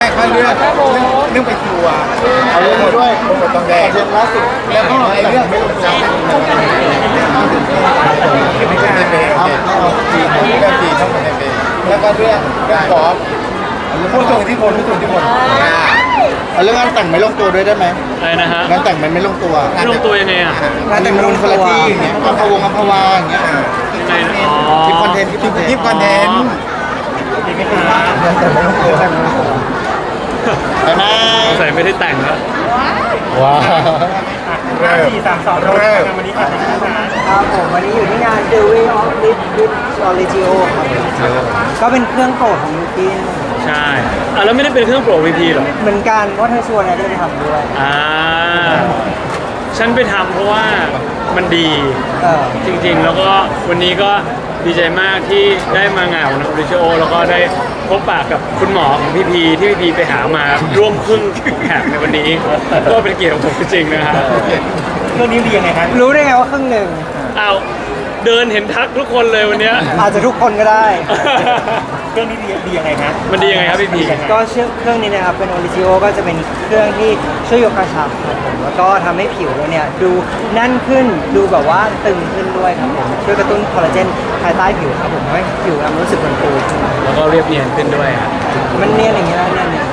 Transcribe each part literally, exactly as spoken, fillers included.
ถ้าเรื่องเรื่องไปทัวร์เอาเรื่องมาด้วยโปรโมทตองแดงเรื่องล่าสุดแล้วก็ไอ้เรื่องไม่ลงจับไม่ใช่ในเบย์จีเรื่องจีช่องในเบย์แล้วก็เรื่องเรื่องกอล์ฟผู้ทรงอิทธิพลผู้ทรงอิทธิพลเรื่องงานแต่งไม่ลงตัวด้วยได้ไหมอะไรนะฮะงานแต่งมันไม่ลงตัวไม่ลงตัวยังไงอ่ะงานแต่งมันลงคนละที่อย่างเงี้ยอัมพวงอัมพวาอย่างเงี้ยยังไงนะอ๋อคลิปคอนเทนต์คลิปคลิปคอนเทนต์งานแต่งไม่ลงตัวไปไหมใส่ไม่ได้แต่งแล้วว้าวห้าสี่สามสองเริ่มวันนี้ค่ะครับผมวันนี้อยู่ที่งาน The Way of Live with Origio ครับก็เป็นเครื่องโปรดของยูกินใช่อ่ะแล้วไม่ได้เป็นเครื่องโปร วี พี หรอเหมือนกันเพราะเธอชวนเนี่ยก็เลยไปทำด้วยอ่าฉันไปทำเพราะว่ามันดีจริงๆแล้วก็วันนี้ก็ดีใจมากที่ได้มางานของออริจิโอแล้วก็ได้พบปะกับคุณหมอของพี่พีที่พี่พีไปหามาร่วมครึ่งแขกในวันนี้ก็เป็นเกียรติของผมจริงๆนะครับเรื่องนี้ดียังไงครับรู้ได้ไงว่าครึ่งหนึ่งอ้าวเดินเห็นทักทุกคนเลยวันนี้อาจจะทุกคนก็ได้เครื่องนี้ดีดียังไงครับมันดียังไงครับพี่พีก็เครื่องนี้นะครับเป็น Origio ก็จะเป็นเครื่องที่ช่วยยกกระชับครับผมแล้วก็ทำให้ผิวเราเนี่ยดูแน่นขึ้นดูแบบว่าตึงขึ้นด้วยครับผมช่วยกระตุ้นคอลลาเจนภายใต้ผิวครับผมให้ผิวเรารู้สึกมันฟูขึ้นแล้วก็เรียบเนียนขึ้นด้วยครับมันเนียนอย่างเงี้ยเนียนเนี่ย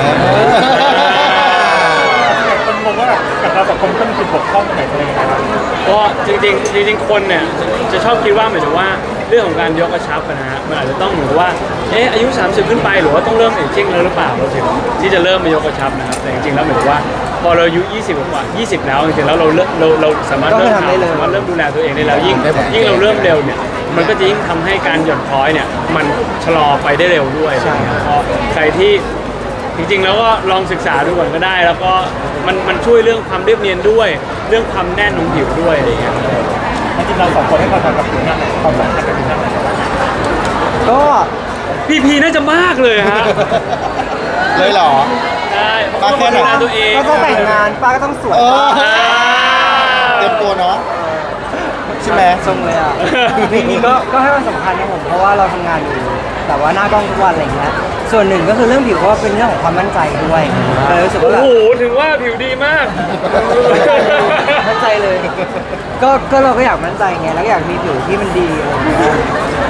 คนงงว่ากับเราสองคนต้องมีจุดบกพร่องตรงไหนอะไรอย่างเงี้ยครับก็จริงๆจริงๆคนเนี่ยจะชอบคิดว่าหมายถึงว่าเรื่องของการยกกระชับนะฮะมันอาจจะต้องเหมือนว่าเอ๊ะอายุสามสิบขึ้นไปหรือว่าต้องเริ่มเอจจิ้งแล้วหรือเปล่าเราถึงที่จะเริ่มมายกกระชับนะครับแต่จริงๆแล้วหมายถึงว่าพอเราอายุยี่สิบกว่ายี่สิบแล้วจริงๆแล้วเราเราเราสามารถเริ่มทำสามารถเริ่มดูแลตัวเองได้แล้วยิ่งยิ่งเราเริ่มเร็วเนี่ยมันก็จะยิ่งทำให้การหย่อนคล้อยเนี่ยมันชะลอไปได้เร็วด้วยเพราะใครที่จริงๆแล้วก็ลองศึกษาดูก่อนก็ได้แล้วก็มันมันช่วยเรื่องความเรียบเนียนด้วยเรื่องความแน่นของผิวด้วยอะไรอย่างเงี้ยจริงๆเราสองคนให้ความสำคัญกับผิวหน้าความสำคัญกับผิวหน้าก็พี่พีน่าจะมากเลยฮะเลยเหรอใช่เพราะว่าดูแลตัวเองก็ต้องแต่งงานป้าก็ต้องสวยเตรียมตัวเนาะใช่ไหมทรงเลยอ่ะนี่นี่ก็ก็ให้ความสำคัญนะผมเพราะว่าเราทำงานอยู่แต่ว่าหน้ากล้องทุกวันอะไรเงี้ยส่วนหนึ่งก็คือเรื่องผิวก็เป็นเรื่องของความมั่นใจด้วยเลยรู้สึกว่าโอ้โหถึงว่าผิวดีมากมั่นใจเลยก็ก็เราก็อยากมั่นใจไงแล้วอยากมีผิวที่มันดีอะไรเงี้ย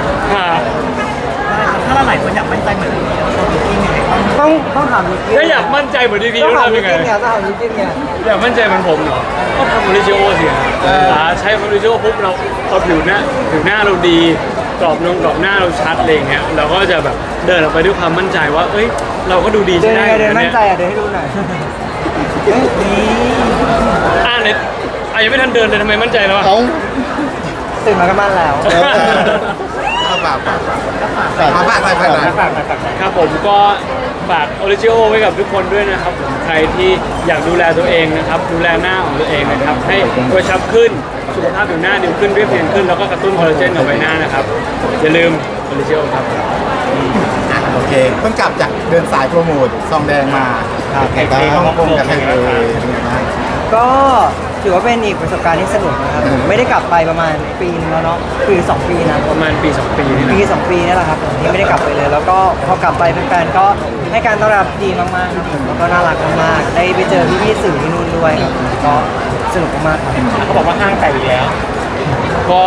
ถ้าเราหลายคนอยากมั่นใจเหมือนพี่ต้องต้องถามยูกินถ้าอยากมั่นใจเหมือนพี่พีต้องทำยังไงต้องถามยูกินไงอยากมั่นใจเหมือนผมเหรอก็ทำโอริจิโอสิใช้โอริจิโอปุ๊บเราพอผิวหน้าผิวหน้าเราดีกรอบนงกรอบหน้าเราชัดอะไรเงี้ยเราก็จะแบบเดินออกไปด้วยความมั่นใจว่าเอ้ยเราก็ดูดีใช่ไหมเดินมั่นใจอ่ะเดินให้ดูหน่อยนี่อ่าเนี่ยอ่ะยังไม่ทันเดินเลยทำไมมั่นใจแล้วเขาตื่นมาก็มั่นแล้วฝากฝากฝากฝากฝากฝากฝากฝากครับผมก็ฝากโอริจิโอไว้กับทุกคนด้วยนะครับใครที่อยากดูแลตัวเองนะครับดูแลหน้าของตัวเองนะครับให้กระชับขึ้นสุขภาพผิวหน้าดีขึ้นเรียบเนียนขึ้นแล้วก็กระตุ้นคอลลาเจนกับใบหน้านะครับอย่าลืมโอริจิโอครับโอเคเพิ่งกลับจากเดินสายโปรโมทซองแดงมาใครบ้างฮ่องกงกับไทยเลยก็ถือว่าเป็นอีกประสบการณ์ที่สนุกนะครับผมไม่ได้กลับไปประมาณปีนึงแล้วเนาะคือสองปีนะประมาณปีสองปีนี่ปีสองปีนี่แหละครับผมที่ไม่ได้กลับไปเลยแล้วก็พอกลับไปแฟนๆก็ให้การต้อนรับดีมากๆครับผมแล้วก็น่ารักมากๆได้ไปเจอพี่ๆสื่อที่นู่นด้วยครับก็สนุกมากๆเขาบอกว่าห้างแตกอีกแล้วก็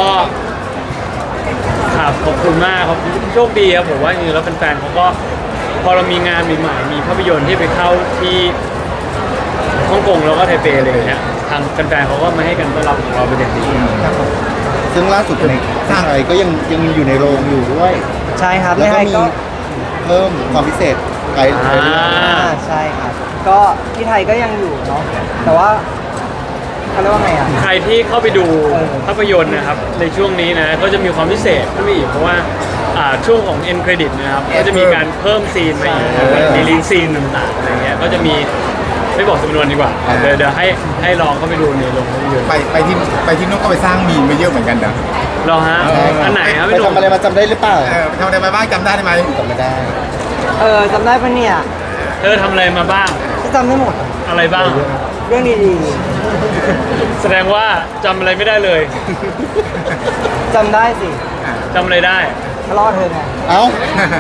ครับขอบคุณมากครับโชคดีครับผมว่าจริงๆแล้วแฟนๆเขาก็พอเรามีงานใหม่ๆมีภาพยนตร์ที่ไปเข้าที่ฮ่องกงแล้วก็ไทเปเลยเนี่ยทางแฟนๆเขาก็มาให้กันต้อนรับของเราเป็นอย่างดีซึ่งล่าสุดในไทยก็ยังยังอยู่ในโรงอยู่ด้วยใช่ครับแล้วก็มีเพิ่มความพิเศษไปใช่ครับก็ที่ไทยก็ยังอยู่เนาะแต่ว่าเขาเรียกว่าไงอ่ะใครที่เข้าไปดูภาพยนตร์นะครับในช่วงนี้นะก็จะมีความพิเศษขึ้นไปอีกเพราะว่าช่วงของ end credit นะครับก็จะมีการเพิ่มซีนมาอีกมีลีนซีนต่างๆอะไรเงี้ยก็จะมีไม่บอกจำนวนดีกว่าเดี๋ยวเดี๋ยวให้ให้ลองเข้าไปดูในโรงภาพยนตร์ไปไปที่ไปที่นู้นก็ไปสร้างมีมไปเยอะเหมือนกันนะรอฮะอันไหนครับไปทำอะไรมาจำได้หรือเปล่าเออทำอะไรมาบ้างจำได้ไหมจำไม่ได้เออจำได้ปะเนี่ยเออทำอะไรมาบ้างจำได้หมดอะไรบ้างเรื่องดีๆแสดงว่าจำอะไรไม่ได้เลยจำได้สิจำอะไรได้ทะเลาะเธอไงเอ้า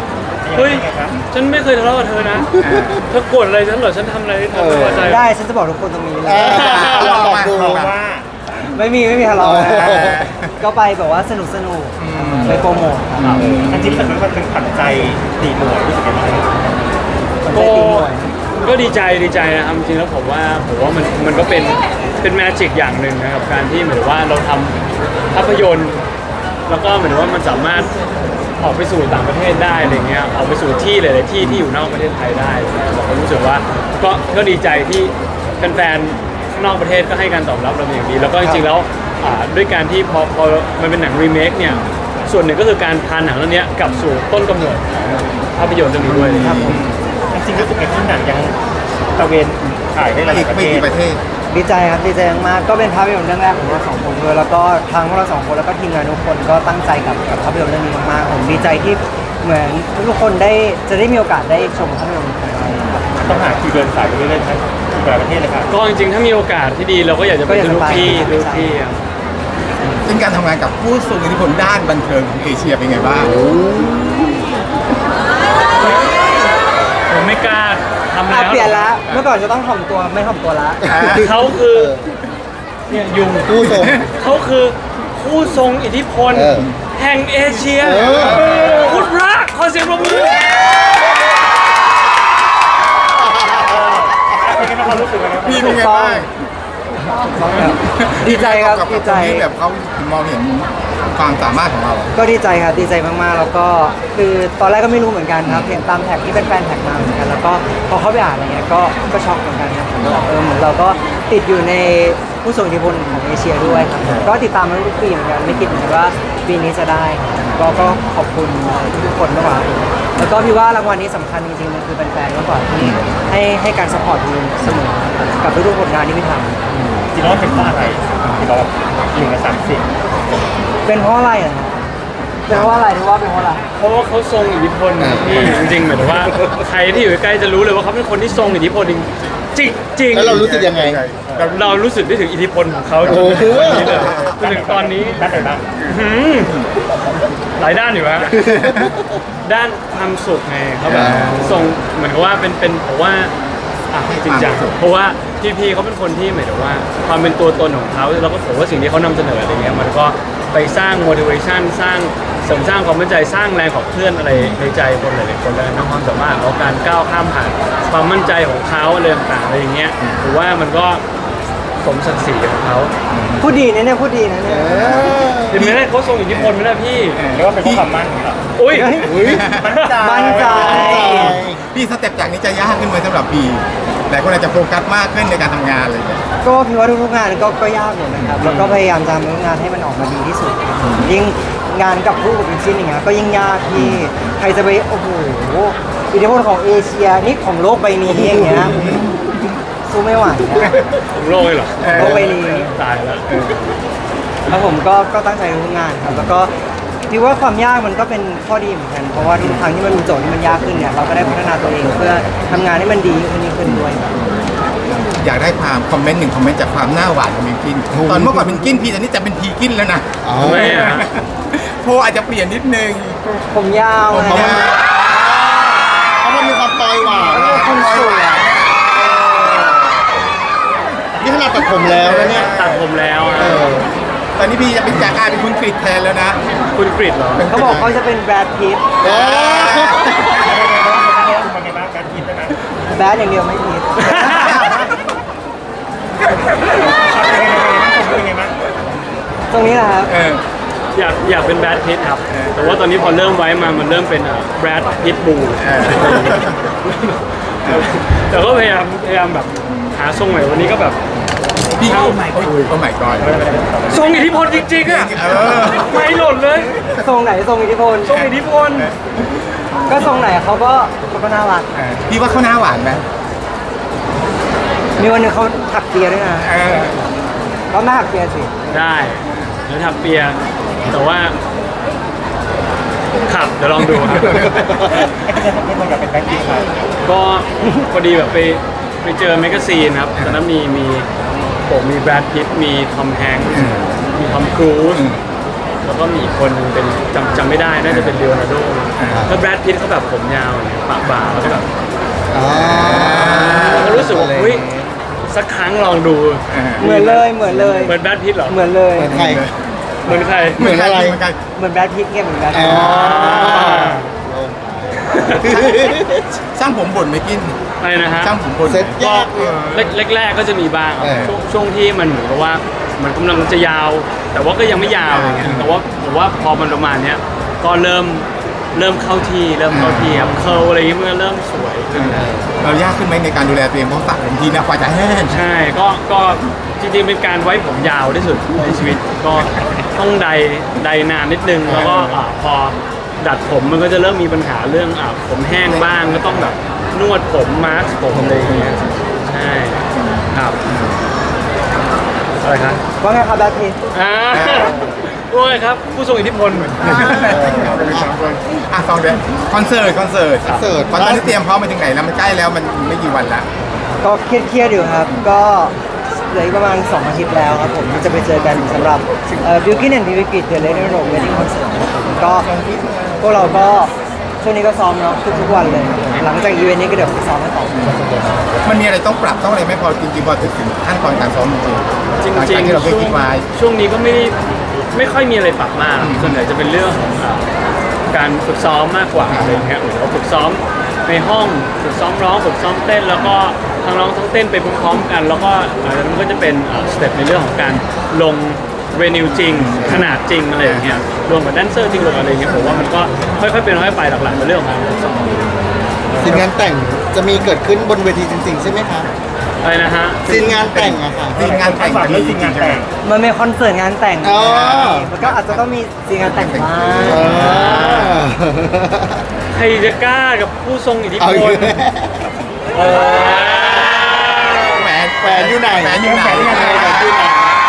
เฮ้ยฉันไม่เคยทะเลาะกับเธอนะเธอโกรธอะไรฉันเหรอฉันทำอะไรให้เธอไม่พอใจได้ฉันจะบอกทุกคนตรงนี้เลยลองมาดูว่าไม่มีไม่มีทะเลาะนะก็ไปแบบว่าสนุกสนุกไปโปรโมทครับอันที่มันเป็นขวัญใจตีหมวยรู้สึกยังไงมันก็ได้ตีหน่วยก็ดีใจดีใจนะครับจริงๆแล้วผมว่าผมว่ามันมันก็เป็นเป็นแมจิกอย่างหนึ่งนะครับการที่เหมือนว่าเราทำภาพยนตร์ แล้วก็เหมือนว่ามันสามารถออกไปสู่ต่างประเทศได้อะไรเงี้ยออกไปสู่ที่หลายๆที่ที่อยู่นอกประเทศไทยได้เราก็รู้สึกว่าก็ก็ดีใจที่แฟนๆข้างนอกประเทศก็ให้การตอบรับเราเป็นอย่างดี แล้วก็จริงๆแล้วอ่าด้วยการที่พอพอมันเป็นหนังรีเมคเนี่ยส่วนหนึ่งก็คือการพาหนังเรื่องนี้กลับสู่ต้นกำเนิดของภาพยนตร์เรื่องนี้ด้วยครับผมจริงๆรู้สึกไงที่หนังยังตะเวนถ่ายได้หลายประเทศประเทศดีใจครับดีใจมากๆก็เป็นภาพยนตร์เรื่องแรกของเราสองคนด้วยแล้วก็ทั้งพวกเราสองคนแล้วก็ทีมงานทุกคนก็ตั้งใจกับกับภาพยนตร์เรื่องนี้มากๆผมดีใจที่เหมือนทุกคนได้จะได้มีโอกาสได้ชมภาพยนตร์ของเราครับต้องหาคิวเดินสายไปเรื่อยๆทั้งหลายประเทศเลยครับก็จริงๆถ้ามีโอกาสที่ดีเราก็อยากจะไปทุกที่ทุกที่ครับเป็นการทำงานกับผู้ทรงอิทธิพลด้านบันเทิงของเอเชียเป็นไงบ้างผมไม่กล้าทำอ่ะแล้วเปลี่ยนละเมื่อก่อนจะต้องถ่อมตัวไม่ถ่อมตัวละเขาคือเนี่ยยุงผู้ทรงเขาคือผู้ทรงอิทธิพลเออแห่งเอเชียเออคุณพระขอเสียงปรบมือเป็นไงบ้างความรู้สึกยังไงบ้างพี่เป็นไงบ้างดีใจครับกับดีคใจนที่แบบเขามองเห็นความสามารถของเราก็ดีใจครับดีใจมากๆ แล้วก็คือตอนแรกก็ไม่รู้เหมือนกันครับเห็นตามแท็กที่เป็นแฟนแท็กมาเหมือนกันแล้วก็พอเข้าไปอ่านอะไรเงี้ยก็ก็ช็อกเหมือนกันครับผมว่าเออเหมือนเราก็ติดอยู่ในผู้ทรงอิทธิพลของเอเชียด้วยครับก็ติดตามมาทุกปีเหมือนกันไม่คิดเหมือนกันว่าปีนี้จะได้ก็ก็ขอบคุณทุกคนมากกว่าแล้วก็พี่ว่ารางวัลนี้สำคัญจริงๆมันคือแฟนๆมากกว่าที่ให้ให้การสปอร์ตดูเสมอกับทุกๆผลงานที่พี่ทำจริงๆแล้วเป็นเพราะอะไรที่เราหนึ่งในสามสิบเป็นเพราะอะไรอ่ะเป็นเพราะอะไรที่ว่าเป็นเพราะอะไรเพราะว่าเขาทรงอิทธิพลที่จริงๆเหมือนว่าใครที่อยู่ใกล้จะรู้เลยว่าเขาเป็นคนที่ทรงอิทธิพลจริงจริงๆแล้วเรารู้สึกยังไงเราเรารู้สึกได้ถึงอิทธิพลของเขาจโอ้นโหถึงวันนี้เลยจนถึงตอนนี้ด้านไหนบ้างหืมหลายด้านอยู่ฮะ ด้านความสุขไงเขาแบบส่งเหมือนกับว่าเป็นเป็นผมว่าอ่ะจริงจังเพราะว่าพี่พีเขาเป็นคนที่หมายถึงว่า ความเป็นตัวตนของเขาแล้วก็ผมว่าสิ่งที่เขานำเสนออะไรเงี้ยมันก็ไปสร้าง motivation สร้างเสริมสร้างความมั่นใจสร้างแรงขับเคลื่อนอะไรในใจคนหลายๆคนเลยนะความสามารถของการก้าวข้ามผ่านความมั่นใจของเขาอะไรต่างๆอะไรอย่างเงี้ยผมว่ามันก็สมศักดิ์ศรีของเขาพูดดีนะเนี่ยพูดดีนะเนี่ยเห็นไหมเนี่ยเขาทรงอิทธิพลไหมล่ะพี่เรียกว่าเป็นเพราะความมั่นของเราอุ้ยมั่นใจมั่นใจพี่สเต็ปจากนี้จะยากขึ้นไหมสำหรับพี่หลายคนอาจจะโฟกัสมากขึ้นในการทำงานเลยเนี่ยก็พี่ว่าทุกๆงานก็ก็ยากหมดนะครับแล้วก็พยายามจะทำทุกงานให้มันออกมาดีที่สุดยิ่งงานกับผู้กับเป็นชิ้นอย่างเงี้ยก็ยิ่งยากที่ใครจะไปโอ้โหอิทธิพลของเอเชียนี่ของโลกใบนี้อย่างเงี้ยสู้ไม่ไหวนะของโลกเลยเหรอโลกใบนี้ตายแล้วแล้วผมก็ก็ตั้งใจทุกงานครับแล้วก็พี่ว่าความยากมันก็เป็นข้อดีเหมือนกันเพราะว่าทุกครั้งที่มันมีโจทย์ที่มันยากขึ้นเนี่ยเราก็ได้พัฒนาตัวเองเพื่อทำงานให้มันดีขึ้นยิ่งขึ้นด้วยครับอยากได้ความคอมเมนต์หนึ่งคอมเมนต์จากความหน้าหวานของมิวกิน ตอนเมื่อก่อนเป็นกินพีตอนนี้จะเป็นพีกินแล้วนะทำไมอ่ะโพอาจจะเปลี่ยนนิดนึงผมยาวผมนะยาวเพราะมันมีความปลอยหวานคุณสวยนี่ขนาดตัดผมแล้วนะเนี่ยตัดผมแล้วอะตอนนี้พี่จะเป็นจากกลายเป็นคุณกริดแทนแล้วนะคุณกริดเหรอเขาบอกเขาจะเป็นแบรดพิตเออเป็นไงบ้างการกินนะแบรดอย่างเดียวไม่พิตเป็นไงบ้างตรงนี้นะครับเอออยากอยากเป็นแบดพิทครับ แต่ว่าตอนนี้พอเริ่มไว้มามันเริ่มเป็นแบดพิทบูเออแต่ก็พยายามพยายามแบบหาทรงใหม่วันนี้ก็แบบพี่โอ้ไม่โอ้ไม่ก่อนทรงอิทธิพลจริงๆอ่ะเออไม่หล่นเลยทรงไหนทรงอิทธิพลทรงอิทธิพลก็ทรงไหนเขาก็เขาก็น่ารักพี่ว่าเขาหน้าหวานไหมมีวันหนึงเขาถักเปียด้วยนะเออเขาไม่ถักเปียสิได้เดี๋ยวถักเปียแต่ว่าขับเดี๋ยวลองดูครับให้เป็นให้คนกับเป็นแบงค์กินครับก็พอดีแบบไปไปเจอแมกกาซีนครับตอนนั้นมีมีผมมีแบรดพิตต์มีทอมแฮงค์มีทอมครูซแล้วก็มีอีกคนนึงเป็นจำจำไม่ได้น่าจะเป็นเลโอนาร์โดแล้วแบรดพิตต์เขาแบบผมยาวเนี่ยปากบาแล้วก็แบบอ๋อเราก็รู้สึกว่าเฮ้ยสักครั้งลองดูเหมือนเลยเหมือนเลยเหมือนแบรดพิตต์เหรอเหมือนเลยเหมือนใครเหมือนใครเหมือนอะไรเหมือนกันเหมือนแบรดพิตต์เนี่ยเหมือนแบรดอ๋พิอตต์ช่างผมบ่นไหม่กินอะไรนะฮะช่างผมบ่นเซ็ตยากเลยแรกๆก็จะมีบ้างครับเออช่วงช่วงที่มันเหมือนกับว่ามันกำลังจะยาว แต่ว่าก็ยังไม่ยาวอย่างเงี้ยแต่ว่าผมว่าพอมันประมาณเนี้ยก็เริ่มเริ่มเข้าที่เริ่มเข้าที่ครับเคิร์ลอะไรอย่างเงี้ยมันก็เริ่มสวยขึ้นเรายากขึ้นไหมในการดูแลตัวเองเพราะตัดผมทีนะกว่าจะแห้งใช่ก็ก็จริงๆเป็นการไว้ผมยาวที่สุดในชีวิตก็ต้องใดใดนานนิดนึงแล้วก็อ่าพอดัดผมมันก็จะเริ่มมีปัญหาเรื่องอ่าผมแห้งบ้างก็ต้องแบบนวดผมมาสก์ผมอะไรอย่างเงี้ยใช่ครับอะไรครับว่าไงครับแบรดพิตต์อ่าโอ้ยครับ ผู้ทรงอิทธิพลเหมือนอ่ะสองเดือนคอนเสิร์ตคอนเสิร์ตคอนเสิร์ตตอนนี้เตรียมพร้อมไปถึงไหนแล้วมันใกล้แล้วมันไม่กี่วันละก็เครียดๆอยู่ครับ ก็เหลืออีกประมาณสองอาทิตย์แล้วครับผมที่จะไปเจอกันสำหรับบิวกิ้นแอนด์บิวกิ้นเดอะเลนโรเวดดิ้งคอนเสิร์ตก็พวกเราก็ช่วงนี้ก็ซ้อมเนาะทุกๆวันเลยครับผมหลังจากอีเวนต์นี้ก็เดี๋ยวไปซ้อมกันต่อมันมีอะไรต้องปรับต้องอะไรไหม่พอจริงๆพอถึงขั้นตอนการซ้อมจริงๆจริงหลัจากที่เราเคยคิดไว้ๆช่วงนี้ก็ไม่ได้ไม่ค่อยมีอะไรปรับมากส่วนใหญ่จะเป็นเรื่องของอ่าการฝึกซ้อมมากกว่าอะไรอย่างเงี้ยเหมือนเราฝึกซ้อมในห้องฝึกซ้อมร้องฝึกซ้อมเต้น แล้วก็ทั้งร้องทั้งเต้นไปพร้อมๆกัน แล้วก็หลังจากนั้นก็จะเป็นสเต็ปในเรื่องของการลงเรนิวจริงขนาดจริงอะไรอย่างเงี้ยรวมกับแดนเซอร์จริงรวมอะไรอย่างเงี้ยผมว่ามันก็ค่อยๆเป็นค่อยๆไปหลักๆเป็นเรื่องของการฝึกซ้อมซีนงานแต่งจะมีเกิดขึ้นบนเวทีจริงๆใช่ไหมครับอะไรนะฮะซีนงานแต่งอะค่ะซีนงานแต่งจะมีจริงๆใช่ไหมมันเป็นคอนเสิร์ตงานแต่งอ๋อมันก็อาจจะต้องมีซีนงานแต่งบ้างเออใครจะกล้ากับผู้ทรงอิทธิพเอาอีกลแล้วเออแหวนแหวนอยู่ไหนแหวนอยู่ไหนแหวนอยู่ไหนแหวนอยู่ไหน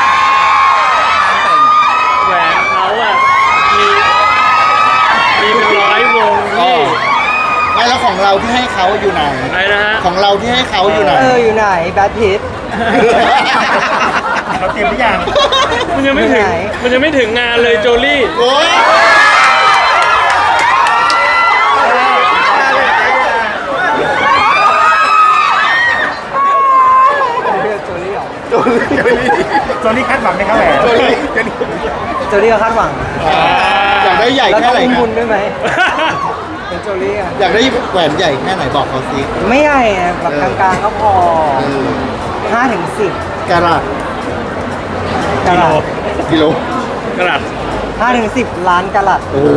แหวนเขาอะมีมีเป็นร้อยวงอ๋อที่ไม่แล้วของเราที่ให้เขาอยู่ไหนอะไรนะฮะของเราที่ให้เขาอยู่ไหนเอออยู่ไหนแบทพิทเราเตรียมหรือยังมันยังไม่ถึงไหนมันยังไม่ถึงงานเลยโจลี่โอ้ยเรียกโจลี่เหรอโจลี่คาดหวังไหมครับแหวนโจลี่ก็คาดหวังอยากได้ใหญ่แล้วแค่ต้องไหนอุ้มครับุบญด้วยไหมเป็นโจลี่อะอยากได้แหวนใหญ่แค่ไหนบอกเขาสิไม่ใหญ่อะแบบกลางๆก็พอเออห้าถึงสิบกะรัตกะลัดกิโลกระดับห้าถึงสิบล้านกะลัดโอ้โห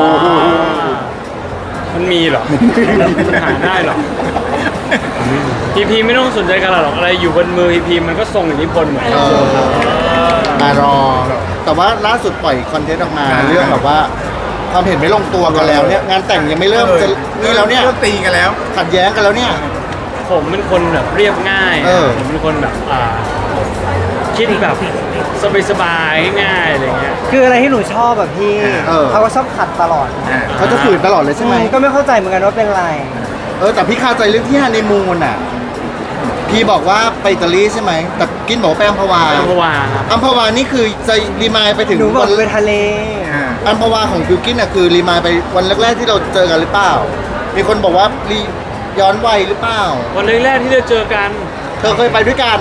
มันมีเหรอ มันหาได้เหรอพีพีไม่ต้องสนใจกระดับหรอกอะไรอยู่บนมือพีพีมันก็ทรงอิทธิพลเหมือนเออมารอ แต่ว่าล่าสุดปล่อยคอนเทนต์ออกมาเรื่องแบบว่าความเห็นไม่ลงตัวกันแล้วเนี่ยงานแต่งยังไม่เริ่มจะนี่แล้วเนี่ยเริ่มตีกันแล้วขัดแย้งกันแล้วเนี่ยผมเป็นคนแบบเรียบง่ายเออผมเป็นคนแบบอ่าคิดแบบสบายๆง่ายๆอะไรเงี้ยคืออะไรที่หนูชอบแบบพี่เออเขาก็ชอบขัดตลอดเขาจะฝืนตลอดเลยใช่ไหมอืมก็ไม่เข้าใจเหมือนกันว่าเป็นไรเออแต่พี่คาใจเรื่องที่ฮันนีมูนอ่ะ พี่บอกว่าไปอิตาลีใช่ไหมแต่กินบอกว่าไปอัมพวาอัมพวาครับอัมพวานี่คือจะรีมายไปถึงหนูบอกวันไปทะเลอัมพวาของบิวกินอ่ะคือรีมายไปวันแรกๆที่เราเจอกันหรือเปล่า มีคนบอกว่ารีย้อนวัยหรือเปล่าวันแรกๆที่เราเจอกันเธอเคยไปด้วยกัน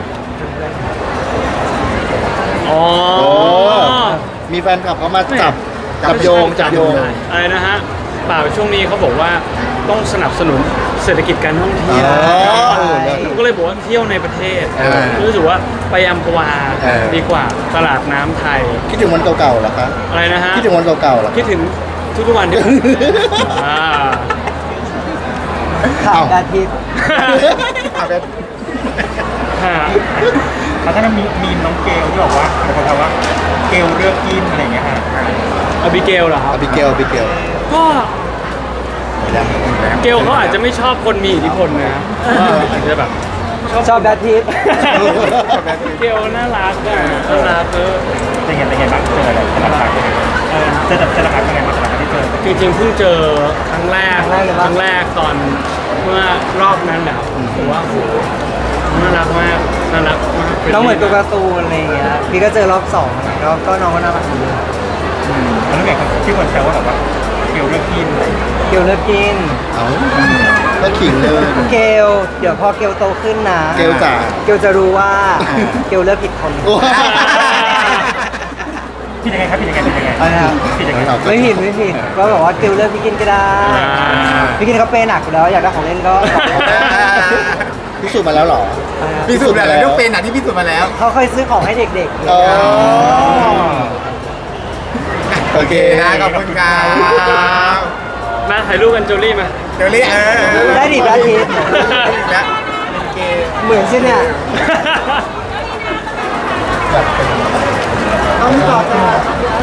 อ๋อมีแฟนคลับเขามาจับจับโยงจับโยงอะไรนะฮะเปล่าช่วงนี้เขาบอกว่าต้องสนับสนุนเศรษฐกิจการท่องเที่ยวอ๋อเออแล้วผมก็เลยบอกว่าเที่ยวในประเทศเออรู้สึกว่าไปอัมพวาเออดีกว่าตลาดน้ำไทยคิดถึงวันเก่าๆเหรอคะอะไรนะฮะคิดถึงวันเก่าๆเหรอคิดถึงทุกๆวันที่ อ่าข่าวอ้าวอาทิตย์เอาเป็นฮะแล้วก็มีมีน้องเกลที่บอกว่าบางคนถามว่าเกลเลือกกินอะไรอย่างเงี้ยฮะอบิเกลเหรอครับอบิเกลอบิเกลก็เกลเขาอาจจะไม่ชอบคนมีอิทธิพลนะอาจจะแบบชอบแบทพิทเกลน่ารักอะน่ารักเออเป็นไงเป็นไงบ้างเจออะไรสลับกันเจอเจอหลักเป็นไงบ้างสลับกันที่เจอจริงๆเพิ่งเจอครั้งแรกครั้งแรกตอนเมื่อรอบนั้นแหละผมว่าโหน่ารักมากน่ารักมากน้องเหมือนตัวการ์ตูนอะไรอย่างเงี้ยพี่ก็เจอรอบสองก็ก็น้องก็น่ารักดีแล้วแบบที่คนแซวว่าแบบว่าเกลเลิกกินอะไรอย่างเงี้ยเกลเลิกกินเอาก็ขิงเลยเกลเดี๋ยวพอเกลโตขึ้นนะเกลจ๋าเกลจะรู้ว่าเกลเลิกผิดคนโอ้ผิดยังไงครับผิดยังไงผิดยังไงอะไรนะครับผิดยังไงไม่ผิดไม่ผิดก็บอกว่าเกลเลิกพี่กินก็ได้ พี่กินเขาเปย์หนักอยู่แล้วอยากได้ของเล่นก็พิสูจน์มาแล้วเหรอพิสูจน์อะไรต้องเป็นอ่ะที่พิสูจน์มาแล้วเขาเคยซื้อของให้เด็กๆอ๋อโอเคนะขอบคุณครับมาถ่ายรูปกันโจลี่มาเดี๋ยวนี้เออได้ดิได้ดิแล้วเหมือนใช่เนี่ยต้องต่อต่อ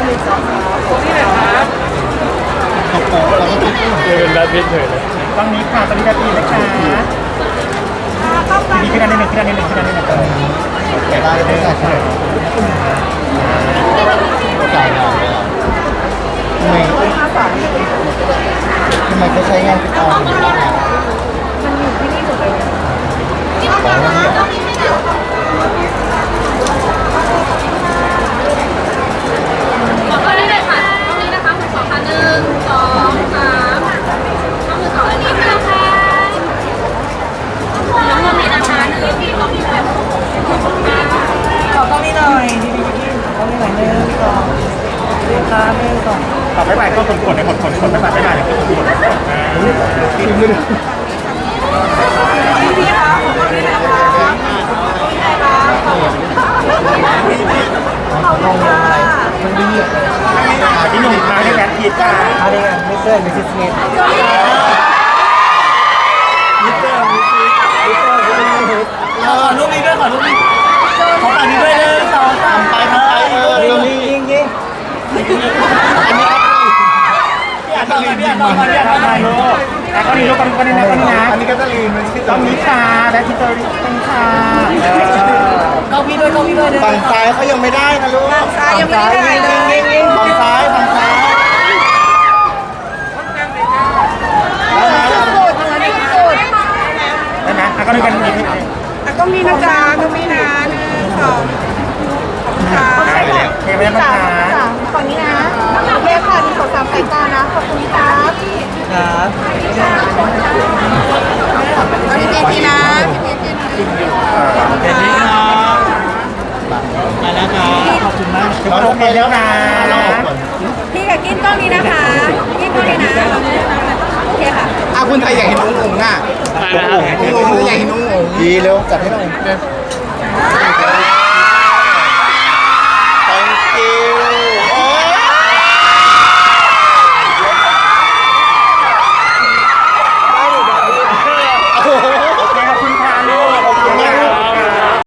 เจอเป็นแบทพิทเฉยเลยต้องนี้ค่ะตอนนี้จะตีนะคะมีขึ้นอันนิดหนึ่งขึ้นอันนิดหนึ่งขึ้นอันนิดหนึ่งเลยแต่ได้ไม่ใช่ใช่จ่ายหน่อยทำไมทำไมเขาใช้งานติดต่ออย่างนี้ล่ะมันอยู่ที่นี่หมดเลยของวันนี้ขอโทษได้เลยค่ะตรงนี้นะคะคุณสองค่ะหนึ่งสองสามต้องมือสองอันนี้นะคะน้องมือนี้นะคะหนึ่งพี่ของพี่แบบขอกล้องนี้หน่อยดีดีดีขอกล้องนี้หน่อยหนึ่งสองหนึ่งสามหนึ่งสองต่อไปไปก็คนกดในคนคนคนไม่มาไม่มาเนี่ยก็คนกดพี่คะขอบคุณนะคะขอบคุณค่ะที่หนุ่มท้ายในแบทพีจ้าอันนี้มิสเตอร์มิสซิสเมธขอรูปนี้ด้วยขอรูปนี้ขอฝั่งนี้ด้วยเลยสองสามไปทำไปเออยิรูงปนี้ยิงยิงอันนี้อันนี้อันนี้อันนี้ต้องนี้ต้องนี้ลูกแล้วก็นี่ลูกก็นี่นะก็นี่นะอันนี้ก็จะลีนมันชื่อต้องนี้ค่ะแบทพีเตอร์ต้องค่ะกล้องพี่ด้วยกล้องพี่ด้วยฝั่งซ้ายเขายังไม่ได้นะลูกซ้ายยังไม่ได้ยิงยิงยิงฝั่งซ้ายฝั่งซ้ายได้ไหมแล้วก็นี่กันนี่ก็มีนะจ๊ะก็มีนะหนึ่งสองค่ะได้เลยโอเคไหมบ้างคะฝั่งนี้นะโอเคค่ะหนึ่งสองสามสายตานะ ขอบคุณครับครับพี่เจทีนะพี่เจทีเดี๋ยวนี้ครับมาแล้วครับขอบคุณมากเราโอเคแล้วนะเราออกก่อนพี่กับกินกล้องนี้นะคะกินกล้องนี้นะโอเคค่ะอ่ะคุณไทยอยากเห็นองค์องค์อ่ะไปนะครับองค์องค์อยากเห็นองค์องค์ดีเร็วจัดให้หน่อย